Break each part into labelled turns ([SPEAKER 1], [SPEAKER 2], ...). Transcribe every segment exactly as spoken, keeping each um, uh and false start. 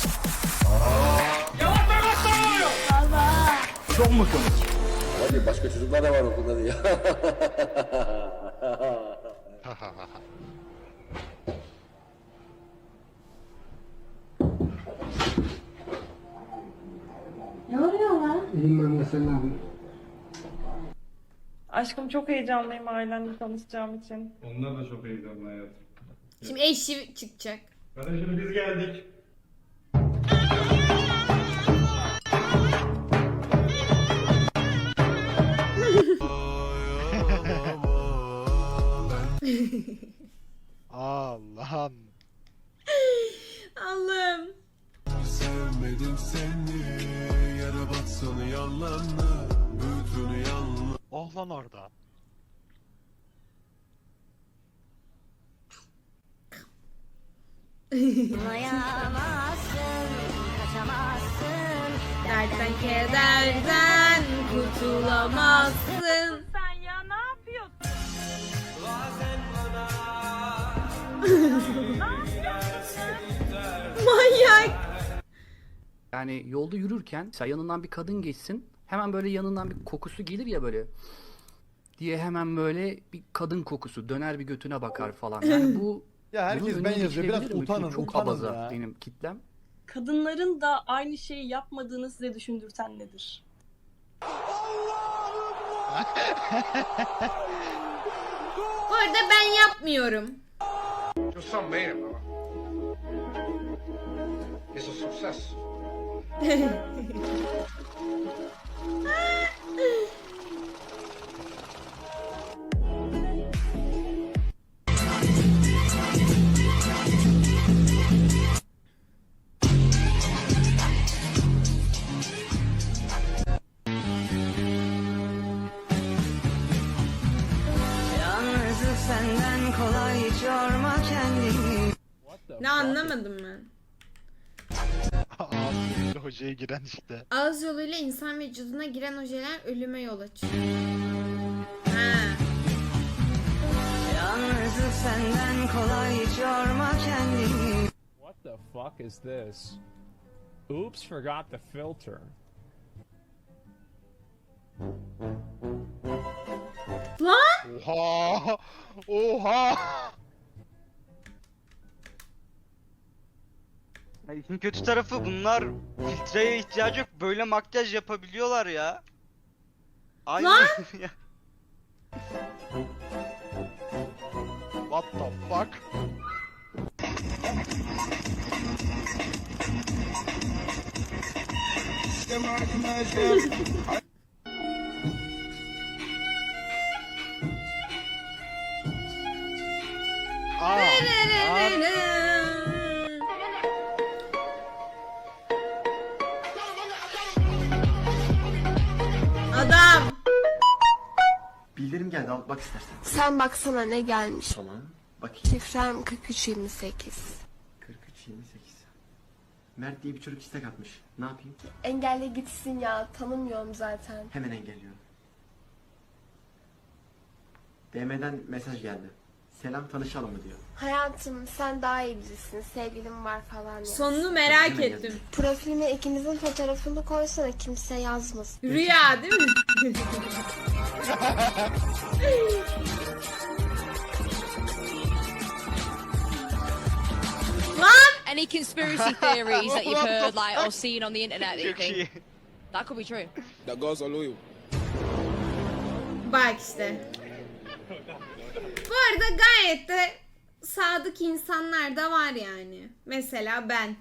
[SPEAKER 1] Çok mu komik?
[SPEAKER 2] Hadi başka çocuklar da var okulda diye.
[SPEAKER 3] Ne oluyor lan?
[SPEAKER 4] İyiyim ben de sen ne yapıyorsun?
[SPEAKER 5] Aşkım çok heyecanlıyım ailenle tanışacağım için.
[SPEAKER 6] Onlar da çok heyecanlı hayatım.
[SPEAKER 7] Şimdi eşi çıkacak.
[SPEAKER 6] Kardeşim biz geldik.
[SPEAKER 1] Allah'ım.
[SPEAKER 7] Allah'ım.
[SPEAKER 8] Sevmedim seni, yara batsın yalanla, bütün yalan.
[SPEAKER 1] Oh lan orada.
[SPEAKER 7] Dertten kederden kurtulamazsın.
[SPEAKER 5] Sen ya ne yapıyorsun?
[SPEAKER 7] Manyak.
[SPEAKER 9] Yani yolda yürürken mesela yanından bir kadın geçsin, hemen böyle yanından bir kokusu gelir ya böyle diye hemen böyle bir kadın kokusu döner, bir götüne bakar falan. Yani bu
[SPEAKER 10] Ya herkes
[SPEAKER 9] bunun
[SPEAKER 10] ben
[SPEAKER 9] önüne
[SPEAKER 10] yazıyor. Biraz
[SPEAKER 9] geçilebilir mi?
[SPEAKER 10] utanın,
[SPEAKER 9] Çünkü çok
[SPEAKER 10] utanın
[SPEAKER 9] abaza
[SPEAKER 10] ya.
[SPEAKER 9] benim kitlem.
[SPEAKER 5] Kadınların da aynı şeyi yapmadığını size düşündürten nedir?
[SPEAKER 7] Bu arada ben yapmıyorum.
[SPEAKER 8] You're some man, mama. It's a success.
[SPEAKER 3] Yalnızlık senden kolay, hiç yorma kendini.
[SPEAKER 7] Ne anlamadım ben.
[SPEAKER 1] Ağzıyla hocaya giren işte.
[SPEAKER 7] Ağız yoluyla insan vücuduna giren ojeler ölüme yol açıyor. Ha.
[SPEAKER 3] Yalnızlık senden kolay, hiç yorma kendini.
[SPEAKER 11] What the fuck is this? Oops, forgot the filter.
[SPEAKER 7] Lan!
[SPEAKER 1] Oha! Oha!
[SPEAKER 12] Ya işin kötü tarafı bunlar filtreye ihtiyacı yok. Böyle makyaj yapabiliyorlar ya. Aynı
[SPEAKER 7] Lan!
[SPEAKER 12] ya.
[SPEAKER 1] What the fuck? Aa, aa.
[SPEAKER 7] Adam!
[SPEAKER 2] Bildirim geldi, al bak istersen.
[SPEAKER 3] Sen baksana ne gelmiş.
[SPEAKER 2] Tamam. Bakayım.
[SPEAKER 3] Şifrem kırk üç yirmi sekiz.
[SPEAKER 2] kırk üç yirmi sekiz. Mert diye bir çocuk istek atmış. Ne yapayım?
[SPEAKER 3] Engelle gitsin ya, tanımıyorum zaten.
[SPEAKER 2] Hemen engelliyorum. D M'den mesaj geldi. Selam, tanışalım mı diyor.
[SPEAKER 3] Hayatım sen daha iyi bilirsin, sevgilim var falan ya.
[SPEAKER 7] Sonunu merak
[SPEAKER 2] Hemen
[SPEAKER 7] ettim.
[SPEAKER 2] yazayım.
[SPEAKER 3] Profilime ikimizin fotoğrafını koysana, kimse yazmasın.
[SPEAKER 7] Rüya değil mi? Lan!
[SPEAKER 13] Any conspiracy theories that you've heard, like, or seen on the internet that you
[SPEAKER 12] Çok iyi.
[SPEAKER 13] think that could be true?
[SPEAKER 8] The girls are loyal.
[SPEAKER 7] Bak işte. Bu arada gayet de sadık insanlar da var yani. Mesela ben.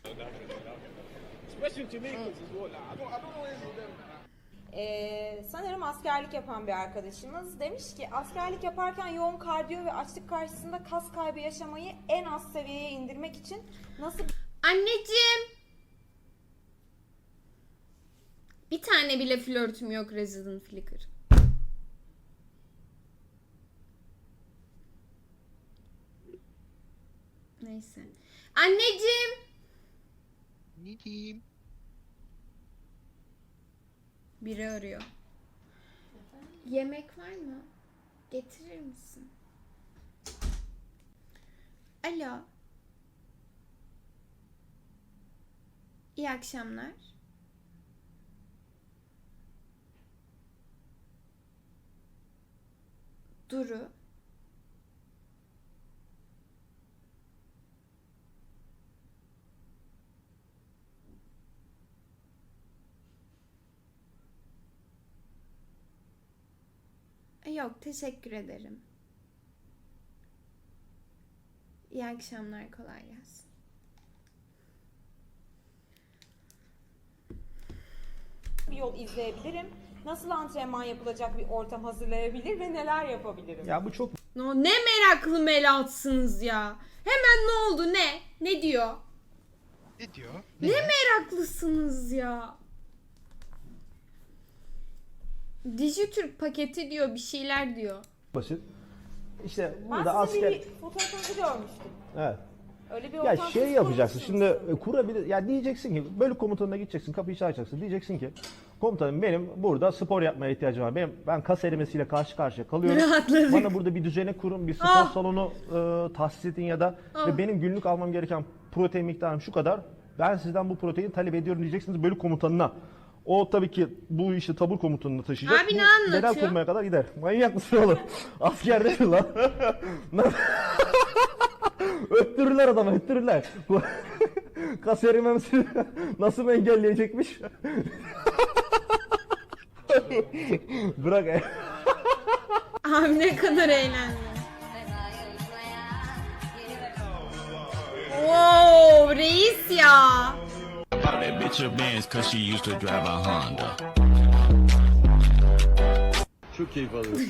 [SPEAKER 5] Ee, sanırım askerlik yapan bir arkadaşımız demiş ki askerlik yaparken yoğun kardiyo ve açlık karşısında kas kaybı yaşamayı en az seviyeye indirmek için nasıl
[SPEAKER 7] Anneciğim. Bir tane bile flörtüm yok Resident Flicker. Neyse. Anneciğim.
[SPEAKER 1] Ne diyeyim?
[SPEAKER 7] Biri arıyor. Yemek var mı? Getirir misin? Alo. İyi akşamlar. Duru. Yok, teşekkür ederim. İyi akşamlar, kolay gelsin.
[SPEAKER 5] Bir yol izleyebilirim? Nasıl antrenman yapılacak bir ortam hazırlayabilir ve neler yapabilirim?
[SPEAKER 6] Ya bu çok
[SPEAKER 7] No, ne meraklı melatsınız ya. Hemen ne oldu, ne? Ne diyor?
[SPEAKER 1] Ne diyor?
[SPEAKER 7] Ne meraklısınız ya. Dijitürk paketi diyor, bir şeyler diyor.
[SPEAKER 6] basit. İşte
[SPEAKER 5] Ben
[SPEAKER 6] burada
[SPEAKER 5] sizin
[SPEAKER 6] asker...
[SPEAKER 5] bir fotoğrafınızı görmüştüm.
[SPEAKER 6] Evet.
[SPEAKER 5] Öyle bir
[SPEAKER 6] Ya
[SPEAKER 5] ortam
[SPEAKER 6] şey
[SPEAKER 5] söz
[SPEAKER 6] yapacaksın
[SPEAKER 5] konusu
[SPEAKER 6] şimdi
[SPEAKER 5] musunuz?
[SPEAKER 6] e, kurabilir ya diyeceksin ki bölük komutanına gideceksin kapıyı çalacaksın diyeceksin ki komutanım benim burada spor yapmaya ihtiyacım var. Benim ben kas erimesiyle karşı karşıya kalıyorum.
[SPEAKER 7] Rahatladık.
[SPEAKER 6] Bana burada bir düzene kurun, bir spor
[SPEAKER 7] Ah.
[SPEAKER 6] salonu e, tahsis edin ya da
[SPEAKER 7] Ah.
[SPEAKER 6] ve benim günlük almam gereken protein miktarım şu kadar. Ben sizden bu proteini talep ediyorum diyeceksiniz bölük komutanına. O tabii ki bu işi tabur komutanına taşıyacak.
[SPEAKER 7] Abi
[SPEAKER 6] Bu
[SPEAKER 7] ne anlatıyor?
[SPEAKER 6] genel kurmaya kadar gider. Manyak mısın oğlum? Askerde mi lan? Öttürürler adamı, öttürürler. Kas erimemesini nasıl engelleyecekmiş? Bırak.
[SPEAKER 7] Abi ne kadar eğlendi. Wow, reis ya.
[SPEAKER 8] Çok keyif alıyorum.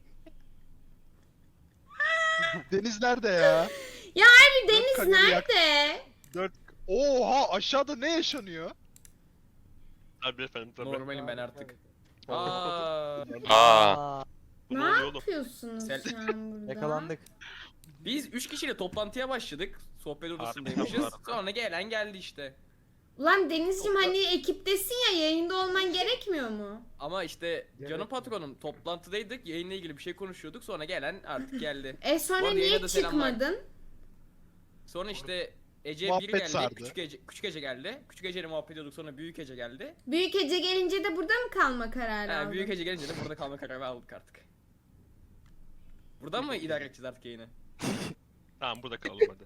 [SPEAKER 1] Deniz nerede ya?
[SPEAKER 7] Ya abi Deniz
[SPEAKER 1] kalori yak-
[SPEAKER 7] nerede?
[SPEAKER 1] Dört... Oha aşağıda ne yaşanıyor?
[SPEAKER 8] Tabii efendim tabii.
[SPEAKER 11] Normalim ben artık. Aa.
[SPEAKER 8] Aa.
[SPEAKER 7] Ne yapıyorsunuz şu an burada?
[SPEAKER 11] Biz üç kişiyle toplantıya başladık. Sohbet odasındaymışız. Sonra gelen geldi işte.
[SPEAKER 7] Ulan Denizciğim hani ekiptesin ya, yayında olman gerekmiyor mu?
[SPEAKER 11] Ama işte canım patronum toplantıdaydık. Yayınla ilgili bir şey konuşuyorduk. Sonra gelen artık geldi.
[SPEAKER 7] E
[SPEAKER 11] Bu
[SPEAKER 7] sonra
[SPEAKER 11] arada
[SPEAKER 7] niye
[SPEAKER 11] yayına da selamlar.
[SPEAKER 7] çıkmadın?
[SPEAKER 11] Sonra işte Ece
[SPEAKER 1] Muhabbet
[SPEAKER 11] bir geldi.
[SPEAKER 1] sardı.
[SPEAKER 11] Küçük Ece, küçük Ece geldi. Küçük Ece'yle muhabbet ediyorduk. Sonra büyük Ece geldi.
[SPEAKER 7] Büyük Ece gelince de burada mı kalma kararı
[SPEAKER 11] Ha,
[SPEAKER 7] aldın?
[SPEAKER 11] büyük Ece gelince de burada kalma kararı aldık artık. Buradan mı idare edeceğiz artık yayını?
[SPEAKER 8] Tamam burada kalalım hadi.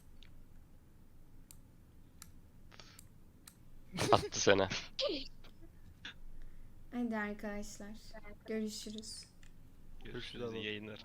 [SPEAKER 8] Attı seni.
[SPEAKER 7] Hadi arkadaşlar. Görüşürüz.
[SPEAKER 8] Görüşürüz iyi yayınlar.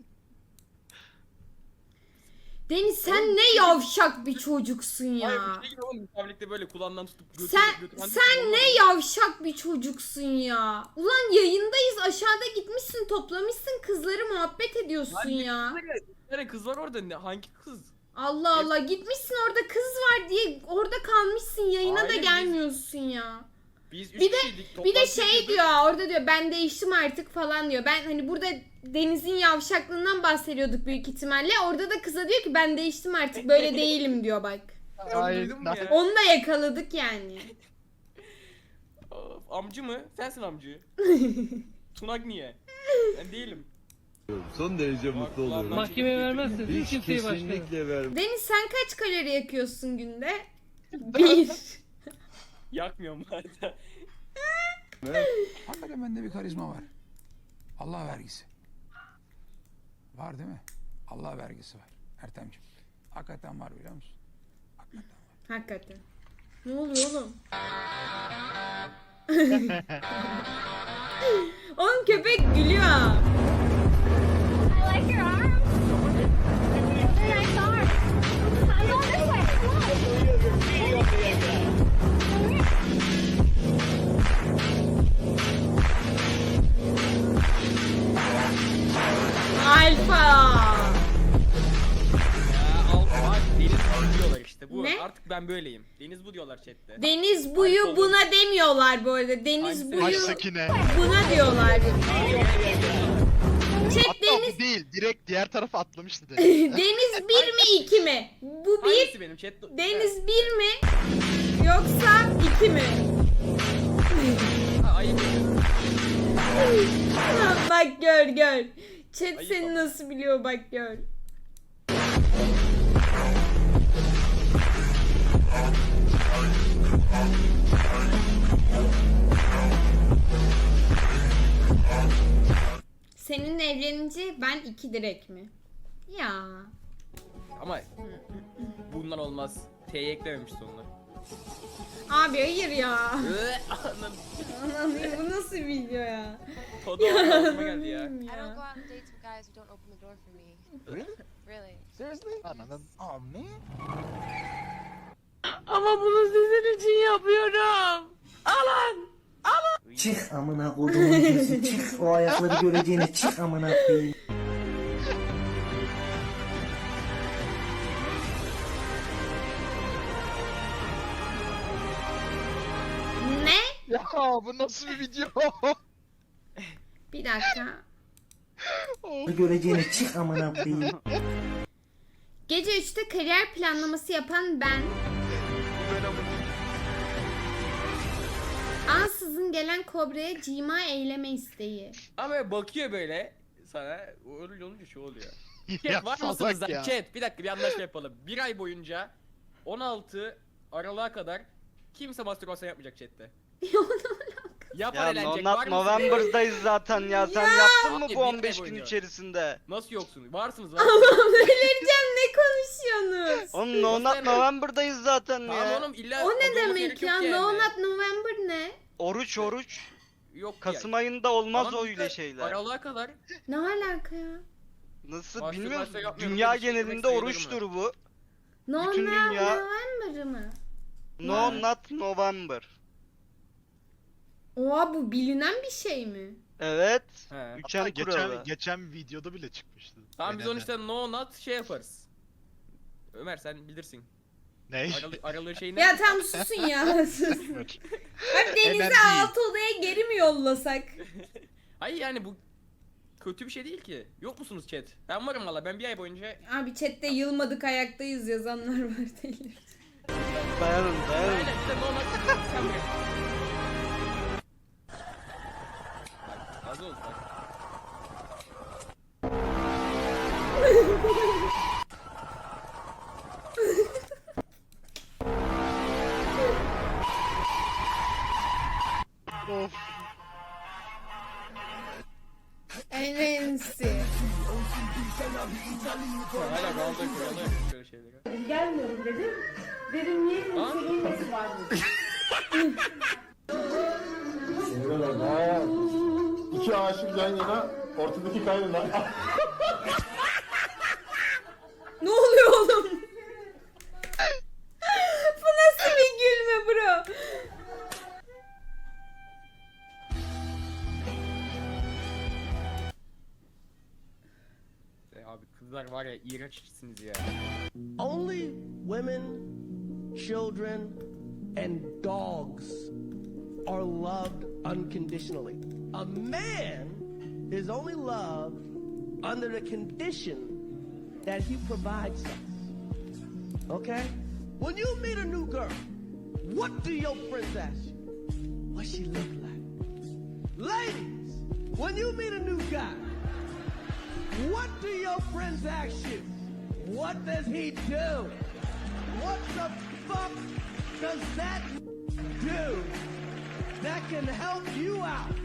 [SPEAKER 7] Deniz sen ne yavşak bir çocuksun ya.
[SPEAKER 11] Hayır bir şey gibi oğlum. Müsavikte böyle kulağından tutup götür,
[SPEAKER 7] Sen
[SPEAKER 11] götüren-
[SPEAKER 7] sen ne yavşak bir çocuksun ya. Ulan yayındayız, aşağıda gitmişsin, toplamışsın kızları, muhabbet ediyorsun
[SPEAKER 11] Lan
[SPEAKER 7] ya.
[SPEAKER 11] Bir tane kız var orada. Ne, hangi kız?
[SPEAKER 7] Allah Allah, gitmişsin orada kız var diye orada kalmışsın, yayına
[SPEAKER 11] Hayır,
[SPEAKER 7] da
[SPEAKER 11] biz-
[SPEAKER 7] gelmiyorsun ya.
[SPEAKER 11] Biz üç
[SPEAKER 7] Bir de
[SPEAKER 11] kişiydik.
[SPEAKER 7] bir de
[SPEAKER 11] toplantı
[SPEAKER 7] şey
[SPEAKER 11] yapıyorduk.
[SPEAKER 7] diyor orada, diyor ben değiştim artık falan diyor. Ben hani burada Deniz'in yavşaklığından bahsediyorduk büyük ihtimalle. Orada da kıza diyor ki ben değiştim artık, böyle değilim diyor bak.
[SPEAKER 11] Sen
[SPEAKER 1] Ay,
[SPEAKER 11] duydun mu
[SPEAKER 1] nasıl-
[SPEAKER 11] ya?
[SPEAKER 7] Onu da yakaladık yani.
[SPEAKER 11] Of, amcı mı? Sensin amcı. Tunak niye? Ben değilim.
[SPEAKER 8] Son derece mutlu
[SPEAKER 11] oluyorum.
[SPEAKER 4] Mahkemeye vermezseniz hiç kimseyi başlarım.
[SPEAKER 8] Kesinlikle vermem.
[SPEAKER 7] Deniz sen kaç kalori yakıyorsun günde? Bir.
[SPEAKER 11] Yakmıyorum zaten.
[SPEAKER 4] Hakikaten bende bir karizma var. Allah vergisi. Var değil mi? Allah vergisi var. Ertemciğim. Hakikaten var biliyor musun? Hakikaten var.
[SPEAKER 7] Hakikaten. Ne oluyor oğlum? Oğlum köpek gülüyor. Alfa.
[SPEAKER 11] Ya al, bak Deniz bu diyorlar işte. Bu
[SPEAKER 7] Ne?
[SPEAKER 11] artık ben böyleyim. Deniz bu diyorlar chatte.
[SPEAKER 7] Deniz buyu
[SPEAKER 11] Alfa
[SPEAKER 7] buna demiyorlar bu arada. Deniz
[SPEAKER 11] Hangisi?
[SPEAKER 7] buyu
[SPEAKER 1] Ay Sakine.
[SPEAKER 7] buna diyorlar. Chat
[SPEAKER 1] Hatta
[SPEAKER 7] Deniz
[SPEAKER 1] bu değil. Direkt diğer tarafa atlamıştı Deniz.
[SPEAKER 7] Deniz bir mi iki mi? Bu bir.
[SPEAKER 11] Hangisi benim chat?
[SPEAKER 7] Deniz bir mi? Yoksa iki mi?
[SPEAKER 11] Ha, ayıp.
[SPEAKER 7] Bak gör gör. Chat
[SPEAKER 11] Ayıp
[SPEAKER 7] seni
[SPEAKER 11] ama.
[SPEAKER 7] nasıl biliyor bak gör. seninle evlenince ben iki direk mi? Ya.
[SPEAKER 11] Ama bundan olmaz. T'yi eklememiş sonuna.
[SPEAKER 7] Abi hayır ya.
[SPEAKER 11] Anam.
[SPEAKER 7] Anam bu nasıl video ya?
[SPEAKER 11] Tadı aklıma geldi ya.
[SPEAKER 13] I don't go out and date some guys who don't open the door for me.
[SPEAKER 8] Really?
[SPEAKER 13] Really.
[SPEAKER 8] Seriously?
[SPEAKER 1] Ananın.
[SPEAKER 8] Oh man.
[SPEAKER 3] Ama bunu sizin için yapıyorum. Alın.
[SPEAKER 2] Çık amına kodumun gözü çık. O ayakları göreceğine çık amına koyayım.
[SPEAKER 7] Ne?
[SPEAKER 1] Ya bu nasıl bir video?
[SPEAKER 7] Bir dakika.
[SPEAKER 2] Göreceğine çık amına koyayım.
[SPEAKER 7] Gece üçte kariyer planlaması yapan ben. Ansızın gelen kobraya cima eyleme isteği.
[SPEAKER 11] Ama bakıyor böyle sana. Öyle olunca şu oluyor.
[SPEAKER 1] Ya
[SPEAKER 11] Chat var
[SPEAKER 1] salak
[SPEAKER 11] mısınız?
[SPEAKER 1] ya.
[SPEAKER 11] Chat bir dakika bir anlaşma yapalım. Bir ay boyunca on altı Aralık'a kadar kimse mastürbasyon yapmayacak chatte. Yapan
[SPEAKER 12] Ya
[SPEAKER 11] eğlenecek
[SPEAKER 12] no,
[SPEAKER 11] var
[SPEAKER 12] not
[SPEAKER 11] mısınız?
[SPEAKER 12] November'dayız zaten ya. Sen yaptın mı
[SPEAKER 11] Abi,
[SPEAKER 12] bu
[SPEAKER 11] bir
[SPEAKER 12] on beş
[SPEAKER 11] ay
[SPEAKER 12] gün
[SPEAKER 11] boyunca.
[SPEAKER 12] içerisinde?
[SPEAKER 11] Nasıl yoksunuz? Varsınız varsınız.
[SPEAKER 7] Allah'ım delireceğim, ne konuşuyorsunuz?
[SPEAKER 12] Oğlum no, not November'dayız zaten
[SPEAKER 11] Tamam
[SPEAKER 12] ya.
[SPEAKER 11] oğlum illa
[SPEAKER 7] O ne
[SPEAKER 11] olması
[SPEAKER 7] demek
[SPEAKER 11] gerek
[SPEAKER 7] ya?
[SPEAKER 11] yok yani.
[SPEAKER 7] No Not November ne?
[SPEAKER 12] Oruç oruç.
[SPEAKER 11] Yok
[SPEAKER 12] Kasım
[SPEAKER 11] ya.
[SPEAKER 12] ayında olmaz
[SPEAKER 11] Tamam
[SPEAKER 12] öyle
[SPEAKER 11] işte,
[SPEAKER 12] şeyler.
[SPEAKER 11] Aralık'a kadar.
[SPEAKER 7] Ne alaka ya?
[SPEAKER 12] Nasıl
[SPEAKER 11] Mastürbasyon
[SPEAKER 12] bilmiyorum.
[SPEAKER 11] yapmıyorum,
[SPEAKER 12] Dünya
[SPEAKER 11] böyle bir şey demek
[SPEAKER 12] genelinde
[SPEAKER 11] sayılır
[SPEAKER 12] oruçtur
[SPEAKER 11] mı?
[SPEAKER 12] bu.
[SPEAKER 7] No
[SPEAKER 12] Bütün
[SPEAKER 7] Not
[SPEAKER 12] dünya-
[SPEAKER 7] November mı?
[SPEAKER 12] No not November.
[SPEAKER 7] Oha, bu bilinen bir şey mi?
[SPEAKER 12] Evet.
[SPEAKER 11] He.
[SPEAKER 1] Hatta
[SPEAKER 12] Üçen
[SPEAKER 1] geçen,
[SPEAKER 12] kuralı.
[SPEAKER 1] geçen videoda bile çıkmıştı.
[SPEAKER 11] Tamam biz
[SPEAKER 1] Aynen.
[SPEAKER 11] onu işte no not şey yaparız. Ömer sen bilirsin.
[SPEAKER 1] Ne?
[SPEAKER 11] Aralı, aralığı şey ne?
[SPEAKER 7] Ya tam susun ya. Sus. Abi Deniz'i
[SPEAKER 1] Enerji.
[SPEAKER 7] alt odaya geri mi yollasak?
[SPEAKER 11] Hayır yani bu kötü bir şey değil ki. Yok musunuz chat? Ben varım valla. Ben bir ay boyunca
[SPEAKER 7] Abi chatte yılmadık ayaktayız yazanlar var delir.
[SPEAKER 12] Dayanın dayanın.
[SPEAKER 11] aynen işte no not sen bırak. Bak, az oldu bak.
[SPEAKER 1] Of.
[SPEAKER 7] En ensi.
[SPEAKER 11] Hala kaldı kralı böyle şeyleri.
[SPEAKER 7] Gelmiyorum dedim. Dedim niye
[SPEAKER 11] Ha?
[SPEAKER 7] nesi var dedi.
[SPEAKER 6] İki aşık yan yana, ortadaki kaynana.
[SPEAKER 7] Ne oluyor oğlum? Bu nasıl bir gülme bro?
[SPEAKER 11] E, abi kızlar var ya iğrençsiniz ya.
[SPEAKER 3] Only women, children, and dogs are loved unconditionally. A man is only loved under the condition that he provides something. Okay? When you meet a new girl, what do your friends ask you? What she look like? Ladies, when you meet a new guy, what do your friends ask you? What does he do? What the fuck does that do that can help you out?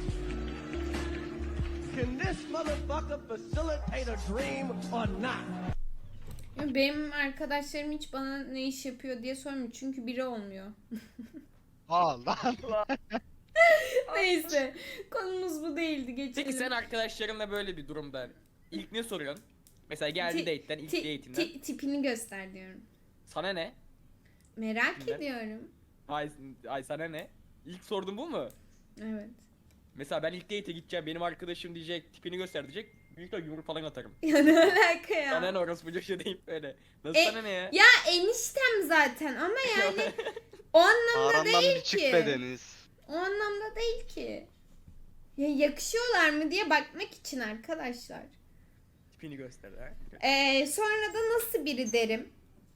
[SPEAKER 3] Can this motherfucker facilitate a dream or not?
[SPEAKER 7] Ya benim arkadaşlarım hiç bana ne iş yapıyor diye sormuyor çünkü biri olmuyor.
[SPEAKER 1] Aa lan.
[SPEAKER 7] Neyse, konumuz bu değildi, geçelim.
[SPEAKER 11] Peki sen arkadaşlarınla böyle bir durumda ilk ne soruyorsun? Mesela geldi
[SPEAKER 7] Ti-
[SPEAKER 11] date'den, ilk
[SPEAKER 7] ti-
[SPEAKER 11] date'inden.
[SPEAKER 7] ti- tipini göster diyorum.
[SPEAKER 11] Sana ne?
[SPEAKER 7] Merak
[SPEAKER 11] Kimden?
[SPEAKER 7] ediyorum.
[SPEAKER 11] Ay, ay sana ne? İlk sordun bu mu?
[SPEAKER 7] Evet.
[SPEAKER 11] Mesela ben ilk date'e gideceğim, benim arkadaşım diyecek, tipini göster diyecek. Büyük ihtimalle yumruk falan atarım.
[SPEAKER 7] Ya ne alaka ya?
[SPEAKER 11] Sana ne orası bu şey deyip böyle. Nasıl
[SPEAKER 7] E,
[SPEAKER 11] sana ne ya?
[SPEAKER 7] Ya eniştem zaten ama yani o anlamda
[SPEAKER 12] Arandan
[SPEAKER 7] değil
[SPEAKER 12] bir çık
[SPEAKER 7] ki.
[SPEAKER 12] be Deniz.
[SPEAKER 7] O anlamda değil ki. Ya yakışıyorlar mı diye bakmak için arkadaşlar.
[SPEAKER 11] Tipini göster ha.
[SPEAKER 7] Ee, sonra da nasıl biri derim.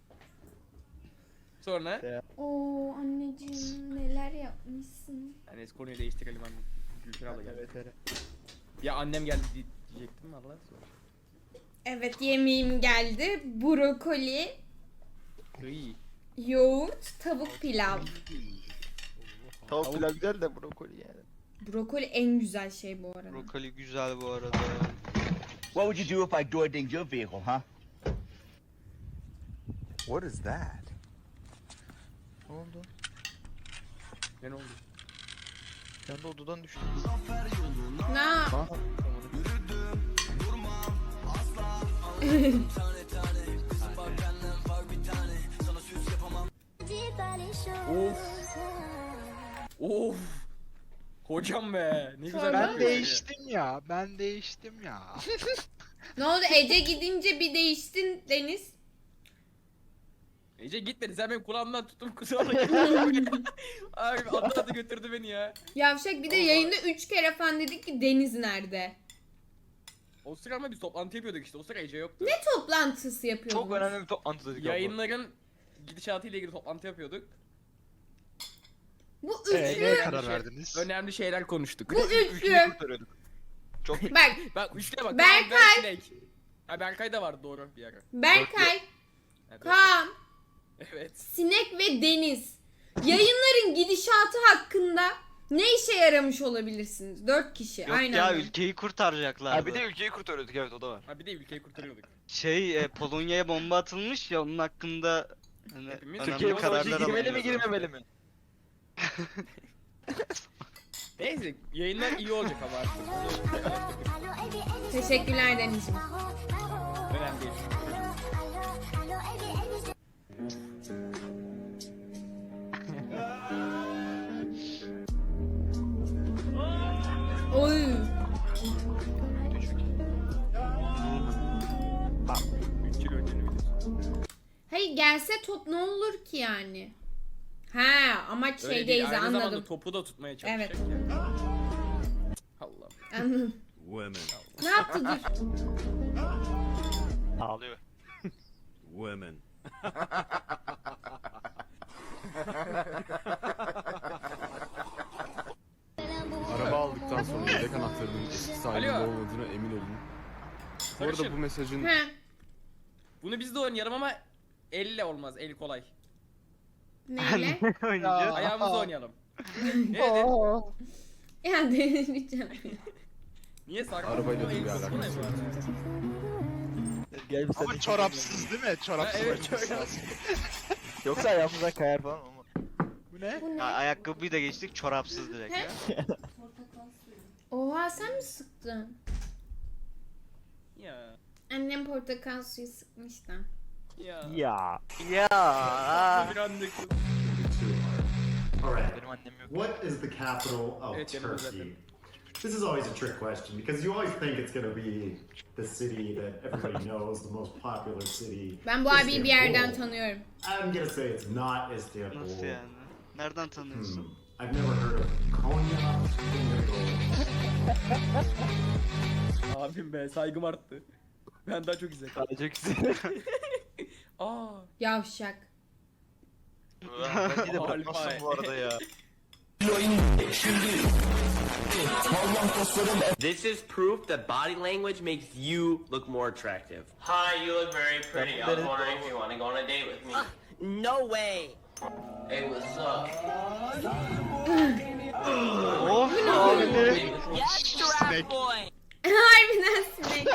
[SPEAKER 11] Sonra
[SPEAKER 7] Oo anneciğim neler yapmışsın.
[SPEAKER 11] hani konuyu değiştirelim anne. Gülşen abla geldi. Ya annem geldi di- diyecektim valla sonra.
[SPEAKER 7] Evet, yemeğim geldi. Brokoli,
[SPEAKER 11] İyi.
[SPEAKER 7] yoğurt, tavuk pilav.
[SPEAKER 8] Tavuk pilav güzel de brokoli yani.
[SPEAKER 7] Brokoli en güzel şey bu arada.
[SPEAKER 12] Brokoli güzel bu arada.
[SPEAKER 8] What would you do if I door dinged your vehicle, huh?
[SPEAKER 10] What is that?
[SPEAKER 1] Ne oldu?
[SPEAKER 11] Ne oldu?
[SPEAKER 1] Kendi odadan düştüm.
[SPEAKER 7] Na.
[SPEAKER 11] Of. Of. Hocam be. Ne güzel.
[SPEAKER 1] Ben
[SPEAKER 11] yapıyor
[SPEAKER 1] değiştim ya. Ben değiştim ya.
[SPEAKER 7] Ne oldu Ece gidince bir değiştin Deniz?
[SPEAKER 11] Ece gitmedi. Sen benim kulağımdan tuttum kusura bakma. Abi atladı atladı götürdü beni ya.
[SPEAKER 7] Yavşak bir de yayında üç kere falan dedik ki Deniz nerede?
[SPEAKER 11] O sıra ama biz toplantı yapıyorduk işte. O sıra Ece yoktu.
[SPEAKER 7] Ne toplantısı yapıyordunuz?
[SPEAKER 8] Çok önemli bir toplantı dedik abla.
[SPEAKER 11] Yayınların gidişatıyla ilgili toplantı yapıyorduk.
[SPEAKER 7] Bu
[SPEAKER 1] Ee,
[SPEAKER 7] üçlü.
[SPEAKER 1] neye karar verdiniz?
[SPEAKER 11] Önemli şeyler konuştuk.
[SPEAKER 7] Bu üçlü.
[SPEAKER 8] Çok
[SPEAKER 7] Bak
[SPEAKER 11] Bak üçlüye bak.
[SPEAKER 7] Berkay.
[SPEAKER 11] Kaan, ben, Sinek. Ha Berkay da vardı doğru bir ara.
[SPEAKER 7] Berkay,
[SPEAKER 11] Evet.
[SPEAKER 7] Kaan,
[SPEAKER 11] Evet.
[SPEAKER 7] Sinek ve Deniz. Yayınların gidişatı hakkında ne işe yaramış olabilirsiniz? Dört kişi
[SPEAKER 12] Yok
[SPEAKER 7] aynen.
[SPEAKER 12] ya
[SPEAKER 7] öyle.
[SPEAKER 12] ülkeyi kurtaracaklardı.
[SPEAKER 8] Ha bir de ülkeyi kurtarıyorduk, evet o da var.
[SPEAKER 11] Ha bir de ülkeyi kurtarıyorduk.
[SPEAKER 12] Şey e, Polonya'ya bomba atılmış ya onun hakkında hani
[SPEAKER 11] Hepimiz
[SPEAKER 12] önemli
[SPEAKER 8] Türkiye bu
[SPEAKER 12] kararlar
[SPEAKER 8] savaşa girmeli mi
[SPEAKER 12] alınıyor.
[SPEAKER 8] girmemeli mi?
[SPEAKER 11] Neyse yayınlar iyi olacak ama artık.
[SPEAKER 7] Teşekkürler Deniz'ciğim.
[SPEAKER 11] Önemli değil.
[SPEAKER 7] Oy.
[SPEAKER 11] üç yıl önceni biliyorsun.
[SPEAKER 7] Hayır gelse top ne olur ki yani? Ha amaç
[SPEAKER 11] Öyle
[SPEAKER 7] şeydeyiz
[SPEAKER 11] değil, aynı zamanda
[SPEAKER 7] anladım.
[SPEAKER 11] topu da tutmaya çalışacak
[SPEAKER 7] Evet.
[SPEAKER 11] ya. Allah.
[SPEAKER 7] Anladım.
[SPEAKER 10] Women.
[SPEAKER 7] Ne yaptı dur.
[SPEAKER 8] Ağlıyor.
[SPEAKER 10] Women.
[SPEAKER 14] Araba aldıktan sonra yedek anahtarının eski sahibinde
[SPEAKER 11] Alo.
[SPEAKER 14] olmadığına emin olun. Bu arada
[SPEAKER 11] Sarışın.
[SPEAKER 14] bu mesajın
[SPEAKER 7] He.
[SPEAKER 11] Bunu biz de oynayalım ama elle olmaz. El kolay.
[SPEAKER 7] Neyle?
[SPEAKER 12] Oynayacağız.
[SPEAKER 11] Ayağımızla oynayalım. Ne dedin?
[SPEAKER 7] Ya deneyeceğim.
[SPEAKER 11] Niye sarkı?
[SPEAKER 14] Arabayla da bir
[SPEAKER 11] El
[SPEAKER 14] alakası
[SPEAKER 11] kolay mı?
[SPEAKER 8] Gel bir
[SPEAKER 1] Ama çorapsız değil mi? Çorapsız
[SPEAKER 11] Ha, evet,
[SPEAKER 1] oynaması
[SPEAKER 11] çorap.
[SPEAKER 1] lazım.
[SPEAKER 8] Yoksa ayağımızdan kayar falan ama.
[SPEAKER 1] Bu ne?
[SPEAKER 7] Bu
[SPEAKER 12] Ha,
[SPEAKER 7] ne?
[SPEAKER 12] ayakkabıyı da geçtik çorapsız direkt ya.
[SPEAKER 7] Oha sen mi sıktın?
[SPEAKER 11] Ya.
[SPEAKER 7] Annem portakal suyu sıkmış da.
[SPEAKER 11] Ya.
[SPEAKER 8] Ya.
[SPEAKER 12] Ya.
[SPEAKER 11] Bir anlık.
[SPEAKER 10] Alright.
[SPEAKER 8] Benim annem yok.
[SPEAKER 10] What is the capital of
[SPEAKER 11] Evet, yanımda zaten.
[SPEAKER 10] Turkey? This is always a trick question because you always think it's going to be the city that everybody knows, the most popular city.
[SPEAKER 7] Ben bu abiyi bir yerden
[SPEAKER 10] Istanbul.
[SPEAKER 7] tanıyorum.
[SPEAKER 10] I'm going to say it's not Istanbul.
[SPEAKER 12] Nasıl yani? Nereden tanıyorsun?
[SPEAKER 10] Hmm. I've never heard of Konya. I'm gonna go.
[SPEAKER 11] Abim be saygım arttı. Ben daha çok izledim.
[SPEAKER 8] Sadece güzel.
[SPEAKER 11] Aa.
[SPEAKER 7] Yavşak.
[SPEAKER 8] Bence de bırakmazsın bu arada ya.
[SPEAKER 3] This is proof that body language makes you look more attractive. Hi, you look very pretty. I was wondering if you want to go on a date with me. No way. Hey, what's up?
[SPEAKER 12] Of abi.
[SPEAKER 3] Yes, giraffe boy.
[SPEAKER 7] Harbiden sinek.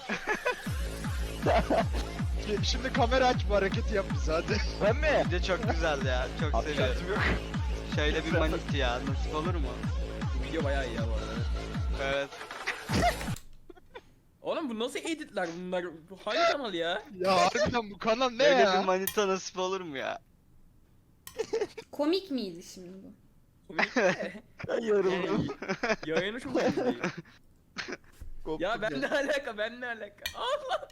[SPEAKER 1] Şimdi kamera aç bu hareketi yap bize hadi.
[SPEAKER 8] Ben mi?
[SPEAKER 12] Bence çok güzeldi ya. Çok
[SPEAKER 8] Abi
[SPEAKER 12] seviyorum.
[SPEAKER 8] şansım yok.
[SPEAKER 12] Şöyle bir manit ya. Nasip olur mu?
[SPEAKER 11] Bu video bayağı iyi ya bu arada.
[SPEAKER 12] Evet.
[SPEAKER 11] Oğlum bu nasıl editler bunlar? Bu hangi kanal ya?
[SPEAKER 1] Ya harbiden bu kanal ne
[SPEAKER 12] Öyle
[SPEAKER 1] ya?
[SPEAKER 12] bir manita nasip olur mu ya?
[SPEAKER 7] Komik miydi şimdi bu?
[SPEAKER 11] Komik de.
[SPEAKER 8] Ben yoruldum.
[SPEAKER 11] Yani, yayını çok iyi.
[SPEAKER 8] Koptum
[SPEAKER 11] Ya ben ne alaka ben ne alaka? Allah.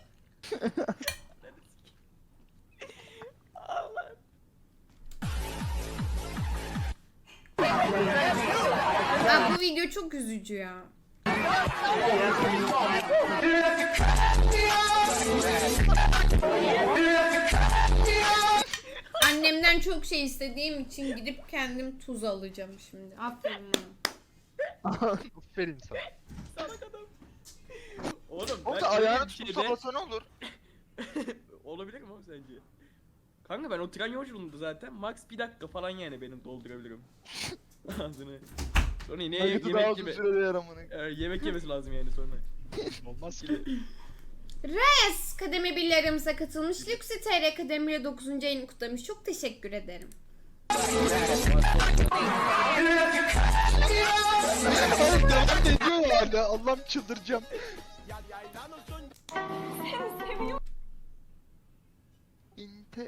[SPEAKER 11] Allah.
[SPEAKER 7] Aa, bu video çok üzücü ya. Annemden çok şey istediğim için gidip kendim tuz alacağım şimdi. Aferin bana.
[SPEAKER 1] Aferin sana.
[SPEAKER 11] Salak adam. Oğlum
[SPEAKER 8] Oğlum
[SPEAKER 11] ben
[SPEAKER 8] da
[SPEAKER 11] öyle
[SPEAKER 8] ayağını
[SPEAKER 11] bir
[SPEAKER 8] tutup
[SPEAKER 11] şeyde-
[SPEAKER 8] sallasa ne olur?
[SPEAKER 11] Olabilir mi oğlum sence? Kanka ben o tren yolculuğunda zaten max bir dakika falan yani benim doldurabilirim. Ağzını. Sonra yine
[SPEAKER 8] Hayatı daha
[SPEAKER 11] yemek
[SPEAKER 8] uzun
[SPEAKER 11] yeme.
[SPEAKER 8] sürede yaramını.
[SPEAKER 11] Ee, yemek yemesi lazım yani sonra.
[SPEAKER 1] Olmaz ki.
[SPEAKER 7] Reyes kademe birlerimize katılmış. Luxi T R kademire dokuzuncu ayını kutlamış. Çok teşekkür ederim.
[SPEAKER 1] Oğlum devam ediyor hala. Allah'ım çıldıracağım. İnte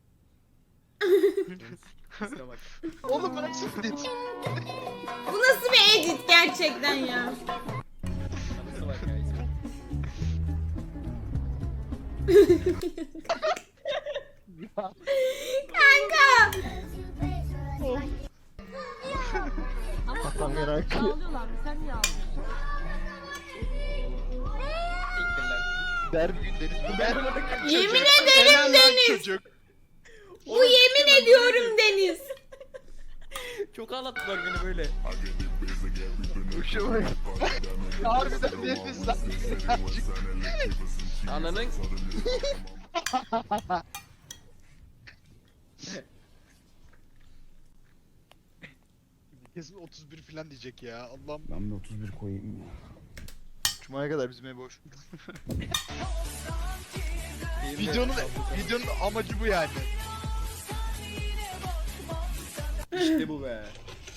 [SPEAKER 11] Kusura bak.
[SPEAKER 1] Oğlum bu nasıl edit?
[SPEAKER 7] Bu nasıl bir edit gerçekten ya?
[SPEAKER 11] Kusura bak ya.
[SPEAKER 7] Kanka!
[SPEAKER 1] Atam merak
[SPEAKER 11] Siktir lan.
[SPEAKER 1] Der bir gün Deniz. Der.
[SPEAKER 7] Yemin
[SPEAKER 1] Çocuk.
[SPEAKER 7] ederim
[SPEAKER 1] Helal lan
[SPEAKER 7] Deniz.
[SPEAKER 1] çocuk.
[SPEAKER 7] Bu yemin ediyorum Deniz.
[SPEAKER 11] Çok ağlattılar beni böyle.
[SPEAKER 1] Hoşuma bak. Harbiden Deniz lan.
[SPEAKER 11] Ananın.
[SPEAKER 1] Kesin otuz bir falan diyecek ya. Allah'ım.
[SPEAKER 2] Ben de otuz bir koyayım ya.
[SPEAKER 1] Cuma'ya kadar bizim ev boş. videonun videonun amacı bu yani.
[SPEAKER 11] İşte bu be.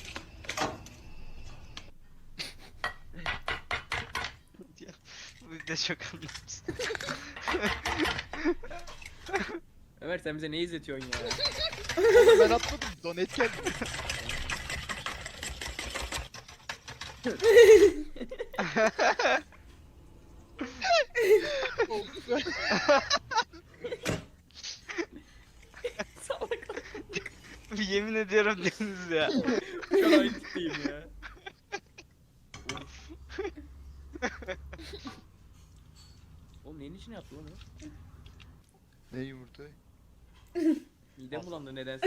[SPEAKER 12] Bu da çok anlamsız.
[SPEAKER 11] Ömer sen bize ne izletiyorsun ya?
[SPEAKER 1] Oğlum ben atmadım. Donate geldi.
[SPEAKER 12] Yemin ediyorum Deniz ya.
[SPEAKER 11] Şu an aynı tipteyim ya. Of. Oğlum neyin içine yaptı lan o?
[SPEAKER 1] Ne yumurta?
[SPEAKER 11] Midem bulandı nedense.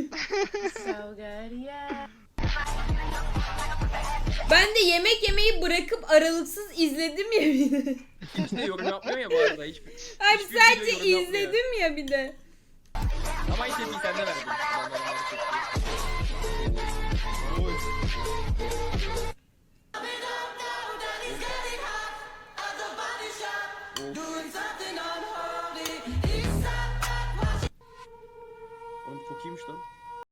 [SPEAKER 7] Ben de yemek yemeyi bırakıp aralıksız izledim ya bir de.
[SPEAKER 11] Hiç de yorum yapmıyor ya bu arada. Hiçbir,
[SPEAKER 7] Abi
[SPEAKER 11] hiçbir
[SPEAKER 7] sadece
[SPEAKER 11] video yorum yapmıyor.
[SPEAKER 7] izledim ya bir de.
[SPEAKER 11] Ama ilk tepkiyi sende verdim. Ben de onları çektim. Oğlum çok iyiymiş lan.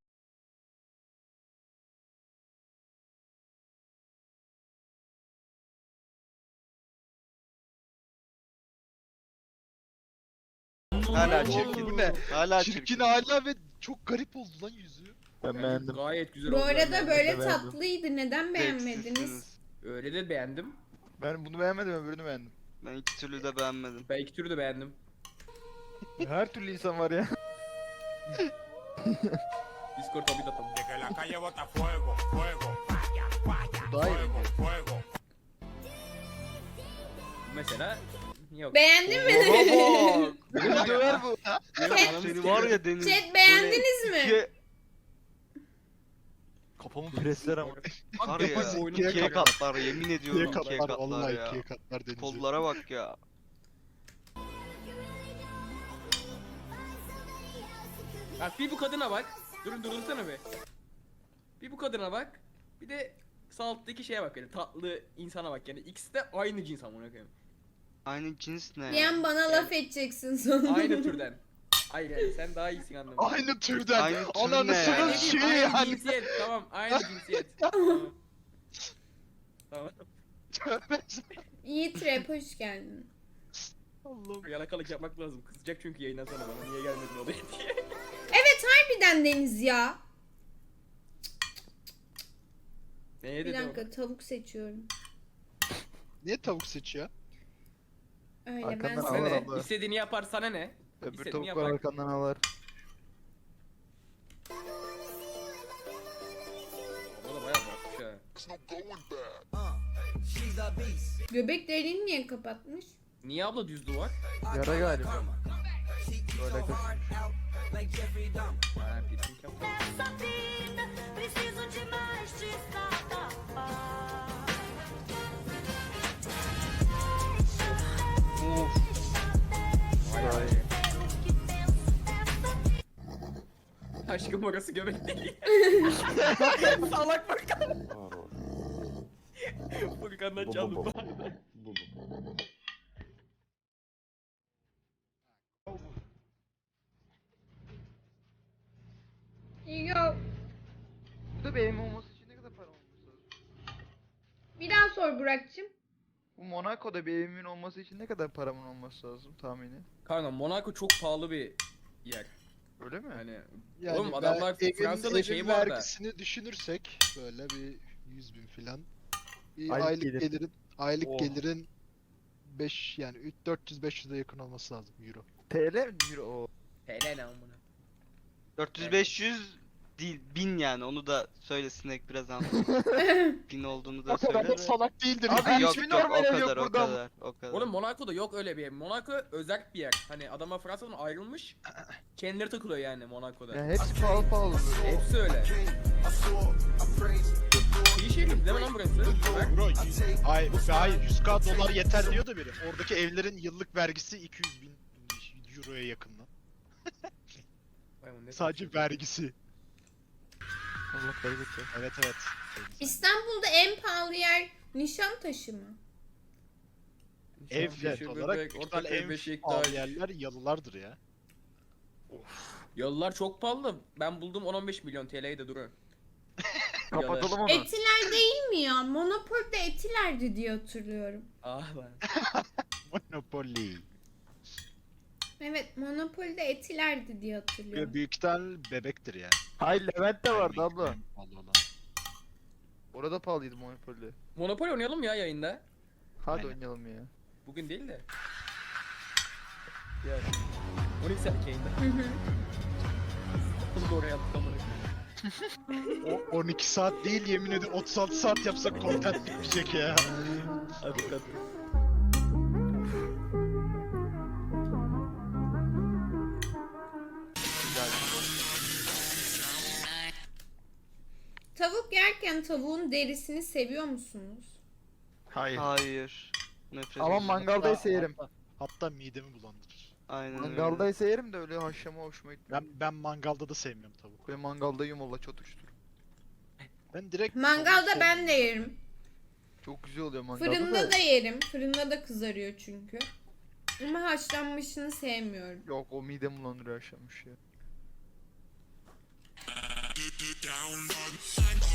[SPEAKER 12] Hala çirkin.
[SPEAKER 1] Bu ne?
[SPEAKER 12] Hala
[SPEAKER 1] Çirkin
[SPEAKER 12] çirkin.
[SPEAKER 1] hala ve çok garip oldu lan yüzü. Ben beğendim.
[SPEAKER 11] Gayet güzel
[SPEAKER 7] Bu
[SPEAKER 11] oldu.
[SPEAKER 7] arada
[SPEAKER 11] yani.
[SPEAKER 7] böyle
[SPEAKER 1] Ben de beğendim.
[SPEAKER 7] tatlıydı. Neden beğenmediniz?
[SPEAKER 11] Öyle de beğendim.
[SPEAKER 1] Ben bunu beğenmedim, öbürünü beğendim.
[SPEAKER 12] Ben iki türlü de beğenmedim.
[SPEAKER 11] Ben iki türlü de beğendim.
[SPEAKER 1] Her türlü insan var ya.
[SPEAKER 11] Discord tabi datam.
[SPEAKER 1] Daha iyi.
[SPEAKER 11] Mesela yok.
[SPEAKER 7] Beğendin mi?
[SPEAKER 12] Baba bak.
[SPEAKER 1] Beni döver bu.
[SPEAKER 11] Yok, ananı
[SPEAKER 12] Seni
[SPEAKER 11] sikeyim.
[SPEAKER 12] var ya Deniz.
[SPEAKER 7] Chat beğendiniz mi?
[SPEAKER 12] İkiye,
[SPEAKER 1] Kafamı presler ama.
[SPEAKER 11] Bak
[SPEAKER 12] var
[SPEAKER 11] yapar
[SPEAKER 12] ya.
[SPEAKER 11] bu oyunu
[SPEAKER 12] İkiye
[SPEAKER 11] bırakar.
[SPEAKER 12] katlar yemin ediyorum.
[SPEAKER 1] İkiye
[SPEAKER 12] İkiye
[SPEAKER 1] katlar,
[SPEAKER 12] katlar
[SPEAKER 1] vallahi
[SPEAKER 12] ya.
[SPEAKER 1] ikiye katlar Deniz'i.
[SPEAKER 12] Kollara bak ya.
[SPEAKER 11] Bak bir bu kadına bak. Durun durursana be. Bir bu kadına bak. Bir de sağ alttaki şeye bak yani tatlı insana bak yani ikisi de aynı cins amına koyayım.
[SPEAKER 12] Aynı cins ne ya?
[SPEAKER 7] Diyen bana laf edeceksin sonra.
[SPEAKER 11] Aynı türden. Hayır yani sen daha iyisin anladım.
[SPEAKER 1] Aynı türden.
[SPEAKER 12] Aynı tür
[SPEAKER 1] Ananı
[SPEAKER 12] ne ya?
[SPEAKER 1] sınıf
[SPEAKER 11] Ne
[SPEAKER 1] şey
[SPEAKER 11] diyeyim, aynı
[SPEAKER 1] yani.
[SPEAKER 11] cinsiyet tamam aynı cinsiyet. Tamam. Tamam.
[SPEAKER 7] Yiğit Rap hoş geldin.
[SPEAKER 1] Allah'ım.
[SPEAKER 11] Yalakalık yapmak lazım. Kızacak çünkü yayından sonra bana niye gelmedin odaya diye.
[SPEAKER 7] Evet harbiden Deniz ya.
[SPEAKER 11] Neye
[SPEAKER 7] Bir
[SPEAKER 11] dedi
[SPEAKER 7] dakika tavuk seçiyorum.
[SPEAKER 1] Niye tavuk seçiyor?
[SPEAKER 7] Öyle ben
[SPEAKER 1] Arkandan
[SPEAKER 11] o?
[SPEAKER 1] al.
[SPEAKER 11] Sana
[SPEAKER 1] Allah
[SPEAKER 11] ne?
[SPEAKER 1] Allah.
[SPEAKER 11] İstediğini yapar sana ne?
[SPEAKER 1] Öbür
[SPEAKER 11] İstediğini
[SPEAKER 1] tavuklar
[SPEAKER 11] yapar.
[SPEAKER 1] arkandan ağlar.
[SPEAKER 11] O da bayağı bakmış ha.
[SPEAKER 7] Göbek deliğini niye kapatmış?
[SPEAKER 11] Niye abla düz duvar?
[SPEAKER 1] Yara galiba. Böyle kız.
[SPEAKER 11] Ha piercing yaptı. Vay vay. Aşkım orası göbek değil. Salak Furkan. Furkan'dan çaldım.
[SPEAKER 1] bir evim olması için ne kadar para olması lazım?
[SPEAKER 7] Bir daha sor Burak'cığım.
[SPEAKER 1] Bu Monaco'da bir evimin olması için ne kadar paramın olması lazım tahmini?
[SPEAKER 11] Kanka Monaco çok pahalı bir yer.
[SPEAKER 1] Öyle mi?
[SPEAKER 11] Hani
[SPEAKER 1] Yani
[SPEAKER 11] oğlum adamlar
[SPEAKER 1] evin-
[SPEAKER 11] Fransa'da
[SPEAKER 1] evin
[SPEAKER 11] şeyi var da.
[SPEAKER 1] vergisini düşünürsek böyle bir yüz bin filan. Bir
[SPEAKER 6] Aylık
[SPEAKER 1] aylık,
[SPEAKER 6] gelir.
[SPEAKER 1] gelirin aylık
[SPEAKER 6] Oh.
[SPEAKER 1] gelirin beş yani dört yüz beş yüze yakın olması lazım euro.
[SPEAKER 6] T L mi? Euro.
[SPEAKER 11] Helal lan bunu.
[SPEAKER 12] dört yüz beş yüz değil bin yani onu da söylesinek biraz anladım. bin olduğunu da
[SPEAKER 1] O kadar
[SPEAKER 12] söyle
[SPEAKER 1] da
[SPEAKER 12] de.
[SPEAKER 1] salak değildir.
[SPEAKER 12] Yok
[SPEAKER 1] yani.
[SPEAKER 12] yok
[SPEAKER 1] Hiçbir
[SPEAKER 12] o
[SPEAKER 1] normal ev yok
[SPEAKER 12] kadar o
[SPEAKER 1] burada.
[SPEAKER 12] kadar o kadar.
[SPEAKER 11] Oğlum Monaco'da yok öyle bir ev. Monaco özel bir yer. Hani adamlar Fransa'dan ayrılmış. Kendileri takılıyor yani Monaco'da.
[SPEAKER 1] Yani hepsi pahalı pahalı.
[SPEAKER 11] Hepsi öyle. İyi şehir değil mi lan burası?
[SPEAKER 1] Bro, ay, hayır yüz K dolar yeter diyordu biri. Oradaki evlerin yıllık vergisi iki yüz bin euroya yakın lan.
[SPEAKER 11] Vay, bu ne
[SPEAKER 1] Sadece
[SPEAKER 11] saçma.
[SPEAKER 1] vergisi.
[SPEAKER 6] Allah bereket
[SPEAKER 1] Evet evet.
[SPEAKER 7] İstanbul'da en pahalı yer Nişantaşı mı?
[SPEAKER 1] Ev
[SPEAKER 11] Nişan,
[SPEAKER 1] fiyat
[SPEAKER 11] Yeşil
[SPEAKER 1] olarak
[SPEAKER 11] Bebek,
[SPEAKER 1] büyük
[SPEAKER 11] Ortaköy,
[SPEAKER 1] ihtimalle en
[SPEAKER 11] Beşiktaş.
[SPEAKER 1] pahalı yerler yalılardır ya.
[SPEAKER 11] Yalılar çok pahalı. Ben buldum on on beş milyon T L'yi de durun.
[SPEAKER 1] Kapatalım onu.
[SPEAKER 7] Etiler değil mi ya? Monopol'de Etiler'di diye hatırlıyorum.
[SPEAKER 11] Ah lan.
[SPEAKER 1] Monopoly.
[SPEAKER 7] Evet, Monopol'de Etiler'di diye hatırlıyorum.
[SPEAKER 1] Büyük ihtimalle bebektir ya.
[SPEAKER 6] Hayır Levent de vardı
[SPEAKER 1] Yani
[SPEAKER 6] abla.
[SPEAKER 1] pahalı olan.
[SPEAKER 6] Orada pahalıydı Monopoly.
[SPEAKER 11] Monopoly oynayalım ya yayında.
[SPEAKER 6] Hadi
[SPEAKER 1] Aynen.
[SPEAKER 6] oynayalım ya.
[SPEAKER 11] Bugün değil de. Ya. on iki saat yayında.
[SPEAKER 7] Hı hı.
[SPEAKER 11] Bunu da oraya attık amına.
[SPEAKER 1] O on iki saat değil yemin ederim otuz altı saat yapsak content bitmeyecek ya.
[SPEAKER 11] Hadi hadi.
[SPEAKER 7] Tavuk yerken tavuğun derisini seviyor musunuz?
[SPEAKER 6] Hayır.
[SPEAKER 12] Hayır. Nefret
[SPEAKER 6] Ama
[SPEAKER 12] ediyorum.
[SPEAKER 6] mangaldaysa yerim.
[SPEAKER 1] Hatta, hatta midemi bulandırır.
[SPEAKER 12] Aynen öyle.
[SPEAKER 6] Mangaldaysa yerim de öyle haşlama hoşuma gitmiyor.
[SPEAKER 1] Ben ben mangalda da sevmiyorum tavuk.
[SPEAKER 6] Ben mangalda yumurla çatıştır.
[SPEAKER 1] Ben direkt
[SPEAKER 7] Mangalda
[SPEAKER 1] tavuk
[SPEAKER 7] ben de yerim.
[SPEAKER 6] Çok güzel oluyor mangalda
[SPEAKER 7] Fırında da yerim. Fırında da kızarıyor çünkü. Ama haşlanmışını sevmiyorum.
[SPEAKER 6] Yok o midem bulandırıyor haşlanmış ya.